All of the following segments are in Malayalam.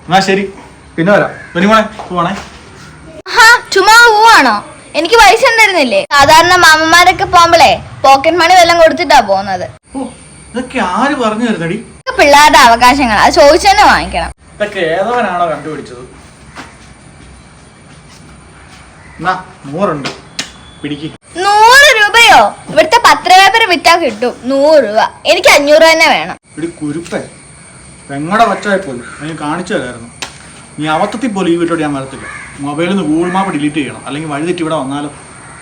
എന്നാ ശരി, പിന്നെ വരാം. പോണേ. ചുമ്മാ പോവാണോ? എനിക്ക് പൈസ ഉണ്ടായിരുന്നില്ലേ? സാധാരണ മാമന്മാരൊക്കെ പോകുമ്പോഴേ പോക്കറ്റ് മണി വല്ലതും കൊടുത്തിട്ടാ പോകുന്നത്. ഇതൊക്കെ ആര് പറഞ്ഞു തരുന്നടി? പിള്ളേരുടെ അവകാശങ്ങൾ, അത് ചോദിച്ചു തന്നെ വാങ്ങിക്കണം. ഇതൊക്കെ ഏതവനാണോ കണ്ടുപിടിച്ചത്? 100 പിടിക്ക്. 100 രൂപയോ? ഇവിടുത്തെ പത്രപേപ്പർ വിറ്റാ കിട്ടും 100 രൂപ. എനിക്ക് 500 തന്നെ വേണം. കുരുപ്പേ, പെങ്ങടെ വച്ചായി പോലും നീ കാണിച്ചു തരായിരുന്നു. നീ അബദ്ധത്തിൽ പോലും ഈ വീട്ടിലോട്ട് ഞാൻ വരത്തില്ല. മൊബൈലിൽ നിന്ന് ഗൂഗിൾ മാപ്പ് ഡിലീറ്റ് ചെയ്യണം, അല്ലെങ്കിൽ വഴി തെറ്റി ഇവിടെ വന്നാലോ.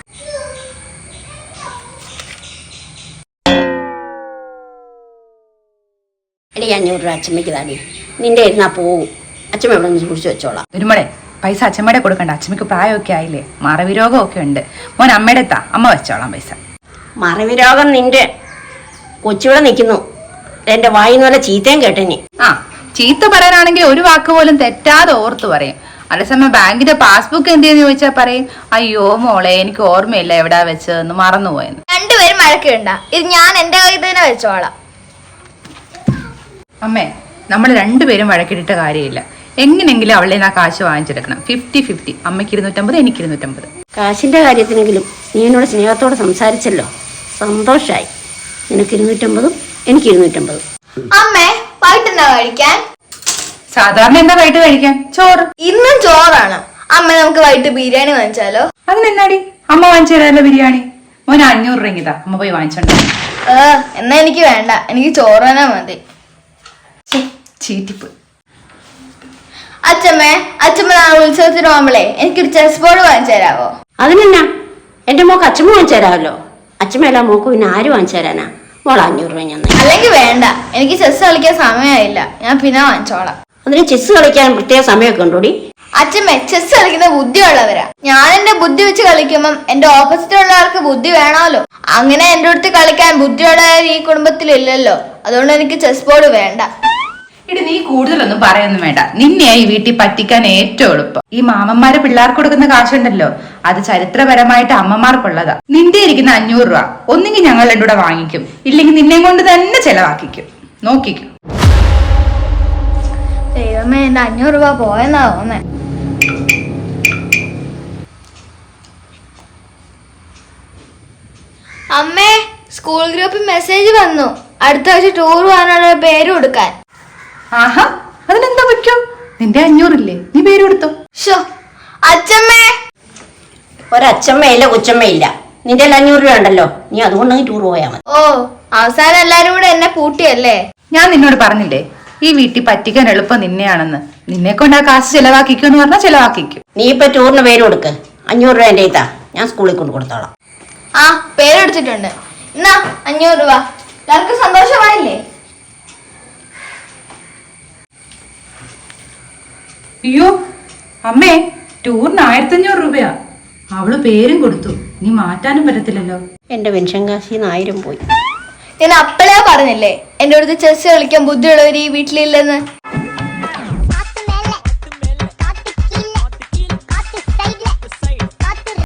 എടി 500 രൂപ അച്ഛമ്മയ്ക്ക് താടി. നിന്റെ ഇരുന്നാ പോവും. അച്ഛമ്മ ഇവിടെ നിന്ന് കുടിച്ചു വെച്ചോളാം. ഒരുമോളെ, പൈസ അച്ഛമ്മയുടെ കൊടുക്കണ്ട. അച്ഛമ്മയ്ക്ക് പ്രായമൊക്കെ ആയില്ലേ, മറവിരോഗമൊക്കെ ഉണ്ട്. മോൻ അമ്മയുടെ എത്താ, അമ്മ വെച്ചോളാം പൈസ. മറവിരോഗം നിന്റെ കൊച്ചിവിടെ നിൽക്കുന്നു. എന്റെ വായിന്ന് വല്ല ചീത്തയും കേട്ടനി. ചീത്ത പറയാനാണെങ്കിൽ ഒരു വാക്ക് പോലും തെറ്റാതെ ഓർത്തു പറയും. അതേസമയം ബാങ്കിന്റെ പാസ്ബുക്ക് എന്തെന്ന് ചോദിച്ചാൽ പറയും, അയ്യോ മോളെ എനിക്ക് ഓർമ്മയില്ല എവിടാ വെച്ചതെന്ന്, മറന്നുപോയെന്ന്. രണ്ടുപേരും മഴക്കുണ്ട. ഇത് ഞാൻ എന്റെ കയ്യിൽ തന്നെ വെച്ചോളാം. അമ്മേ, നമ്മൾ രണ്ടുപേരും വഴക്കിട്ടിട്ട് കാര്യമില്ല. എങ്ങനെങ്കിലും അവളെ ആ കാശ് വാങ്ങിച്ചെടുക്കണം. 50-50. അമ്മയ്ക്ക് 250, എനിക്ക് 250. കാശിന്റെ കാര്യത്തിനെങ്കിലും നീ എന്നോട് സ്നേഹത്തോടെ സംസാരിച്ചല്ലോ, സന്തോഷായി. നിനക്ക് 250, എനിക്ക് 250. അമ്മേ, വൈകിട്ടെന്താ കഴിക്കാൻ? സാധാരണ എന്താ വൈകിട്ട് കഴിക്കാൻ? ചോറ്. ഇന്നും ചോറാണ്. അമ്മ, നമുക്ക് വൈകിട്ട് ബിരിയാണി വാങ്ങിച്ചാലോ? അതിനെന്നാടി, അമ്മ വാങ്ങിച്ചു തരാമല്ലോ ബിരിയാണി. മോൻ 500 രൂപ അമ്മ പോയി വാങ്ങിച്ചോണ്ടോ. എന്നാ എനിക്ക് വേണ്ട, എനിക്ക് ചോറ് തന്നെ മതി. ചീറ്റിപ്പ്. അച്ഛമ്മ നാളെ ഉത്സവത്തിന് പോകുമ്പോളേ എനിക്കൊരു ചെസ് ബോർഡ് വാങ്ങിച്ചു തരാവോ? അതിനെന്നാ, എന്റെ മോക്ക് അച്ഛമ്മ വാങ്ങിച്ചു തരാമല്ലോ. അച്ഛമ്മയല്ല മോക്ക് പിന്നെ ആര് വാങ്ങിച്ചു തരാനാ? മോൾ 500 രൂപ ഞാൻ. അല്ലെങ്കിൽ വേണ്ട, എനിക്ക് ചെസ് കളിക്കാൻ സമയമായില്ല, ഞാൻ പിന്നെ വാങ്ങിച്ചോളാം. അതിന് ചെസ് കളിക്കാൻ പ്രത്യേക സമയമൊക്കെ ഉണ്ടോടി? അച്ഛമ്മ ചെസ് കളിക്കുന്ന ബുദ്ധിയുള്ളവരാ. ഞാൻ എന്റെ ബുദ്ധി വെച്ച് കളിക്കുമ്പം എന്റെ ഓപ്പോസിറ്റ് ഉള്ള ആൾക്ക് ബുദ്ധി വേണമല്ലോ. അങ്ങനെ എന്റെ അടുത്ത് കളിക്കാൻ ബുദ്ധിയുള്ളവർ ഈ കുടുംബത്തിലില്ലല്ലോ. അതുകൊണ്ട് എനിക്ക് ചെസ് ബോർഡ് വേണ്ട. ഇടി, നീ കൂടുതലൊന്നും പറയൊന്നും വേണ്ട. നിന്നെയാ ഈ വീട്ടിൽ പറ്റിക്കാൻ ഏറ്റവും എളുപ്പം. ഈ മാമന്മാര് പിള്ളേർക്ക് കൊടുക്കുന്ന കാശുണ്ടല്ലോ, അത് ചരിത്രപരമായിട്ട് അമ്മമാർക്കുള്ളതാ. നിന്റെ ഇരിക്കുന്ന 500 രൂപ ഒന്നെങ്കിൽ ഞങ്ങൾ രണ്ടും കൂടെ വാങ്ങിക്കും, ഇല്ലെങ്കിൽ നിന്നെ കൊണ്ട് തന്നെ ചെലവാക്കിക്കും. നോക്കിക്കും. ദൈവമേ, എന്റെ 500 രൂപ പോയെന്നാ തോന്നേ. അമ്മേ, സ്കൂൾ ഗ്രൂപ്പിൽ മെസ്സേജ് വന്നു, അടുത്ത ആഴ്ച ടൂർ പോകാനുള്ള പേര് കൊടുക്കാൻ. ആഹാ, അതിനെന്താ പറ്റോ? നിന്റെ 500 ഇല്ലേ, നീ പേര് കൊടുത്തോ. അച്ഛമ്മേ, ഒരച്ഛമ്മയില്ല കൊച്ചമ്മയില്ല. നിന്റെ 500 രൂപ ഉണ്ടല്ലോ, നീ അതുകൊണ്ട് ടൂർ പോയാൽ മതി. ഓ, അവസാനം എല്ലാരും കൂടെ എന്നെ പൂട്ടിയല്ലേ? ഞാൻ നിന്നോട് പറഞ്ഞില്ലേ ഈ വീട്ടിൽ പറ്റിക്കാൻ എളുപ്പം നിന്നെയാണെന്ന്. നിന്നെ കൊണ്ട് ആ കാശ് ചെലവാക്കിക്കോ എന്ന് പറഞ്ഞാൽ ചെലവാക്കിക്കും. നീ ഇപ്പൊ ടൂറിന് പേര് കൊടുക്ക്. 500 രൂപ എന്റെ ഇതാ, ഞാൻ സ്കൂളിൽ കൊണ്ട് കൊടുത്തോളാം. പേരെടുത്തിട്ടുണ്ട്. എന്നാ 500 രൂപ. എല്ലാവർക്കും സന്തോഷമായില്ലേ? അയ്യോ അമ്മേ, ടൂറിന് 1500 രൂപയാ. അവള് പേരും കൊടുത്തു, നീ മാറ്റാനും പറ്റത്തില്ലല്ലോ. എന്റെ പെൻഷൻ കാശിന്ന് 1000 പോയി. ഞാൻ അപ്പളേ പറഞ്ഞില്ലേ എന്റെ അടുത്ത് ചെസ് കളിക്കാൻ ബുദ്ധിയുള്ളവർ ഈ വീട്ടിലില്ലെന്ന്.